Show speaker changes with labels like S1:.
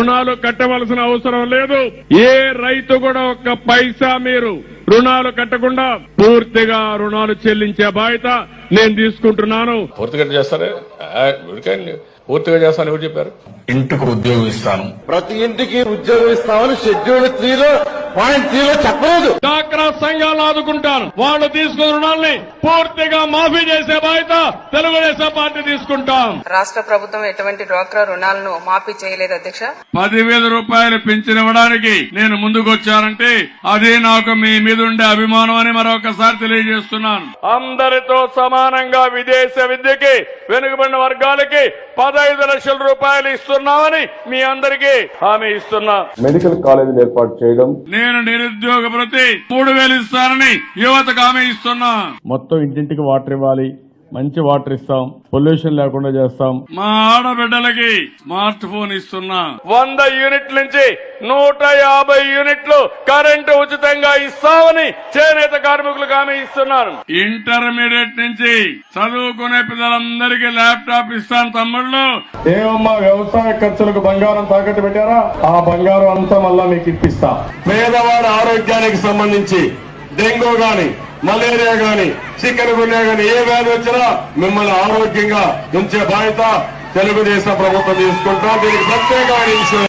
S1: రుణాలు కట్టవలసిన అవసరం లేదు. ఏ రైతు కూడా ఒక్క పైసా మీరు రుణాలు కట్టకుండా పూర్తిగా రుణాలు చెల్లించే బాధ్యత నేను తీసుకుంటున్నాను.
S2: పూర్తిగా చేస్తారే? పూర్తిగా చేస్తాను ఎవరు చెప్పారు?
S3: ఇంటికి ఉద్యోగం ఇస్తాను,
S4: ప్రతి ఇంటికి ఉద్యోగం ఇస్తామని షెడ్యూల్ 3లో పాయింట్ 3లో చెప్పలేదు.
S1: డ్వాక్రా సంఘాలు ఆదుకుంటాను. వాళ్ళు తీసుకున్న రుణాల్ని పూర్తిగా మాఫీ చేసే బాధ్యత తెలుగుదేశం పార్టీ తీసుకుంటాం.
S5: రాష్ట్ర ప్రభుత్వం ఎటువంటి డ్వాక్రా రుణాలను మాఫీ చేయలేదు అధ్యక్ష.
S1: 10,000 రూపాయలు పెంచిన ఇవ్వడానికి నేను ముందుకు వచ్చానంటే అదే నాకు మీ మీద ఉండే అభిమానం అని మరొకసారి తెలియజేస్తున్నాను. అందరితో సమానంగా విదేశ విద్యకి వెనుకబడిన వర్గాలకి 15 లక్షల రూపాయలు ఇస్తున్నామని మీ అందరికీ హామీ ఇస్తున్నా.
S6: మెడికల్ కాలేజీలు ఏర్పాటు చేయడం,
S1: నేను నిరుద్యోగ ప్రతి 3,000 ఇస్తానని యువతకు హామీ ఇస్తున్నా.
S6: మొత్తం ఇంటింటికి వాటర్ ఇవ్వాలి, మంచి వాటర్ ఇస్తాం, పొల్యూషన్ లేకుండా చేస్తాం.
S1: మా ఆడబిడ్డలకి స్మార్ట్ ఫోన్ ఇస్తున్నా. 100 యూనిట్ల నుంచి 150 యూనిట్లు కరెంటు ఉచితంగా ఇస్తామని చేనేత కార్మికులకు హామీ ఇస్తున్నాను. ఇంటర్మీడియట్ నుంచి చదువుకునే పిల్లలందరికీ ల్యాప్టాప్ ఇస్తాను. తమ్ముళ్ళు,
S6: ఏమమ్మా వ్యవసాయ ఖర్చులకు బంగారం తాకట్టు పెట్టారా? ఆ బంగారం అంతా మళ్ళా మీకు ఇప్పిస్తా.
S4: పేదవాడి ఆరోగ్యానికి సంబంధించి డెంగ్యూ గాని, మలేరియా గాని, చికెన్ గున్యా గాని ఏ వ్యాధి వచ్చినా మిమ్మల్ని ఆరోగ్యంగా ఉంచే బాధ్యత తెలుగుదేశం ప్రభుత్వం తీసుకుంటాం. దీనికి ప్రత్యేకమైన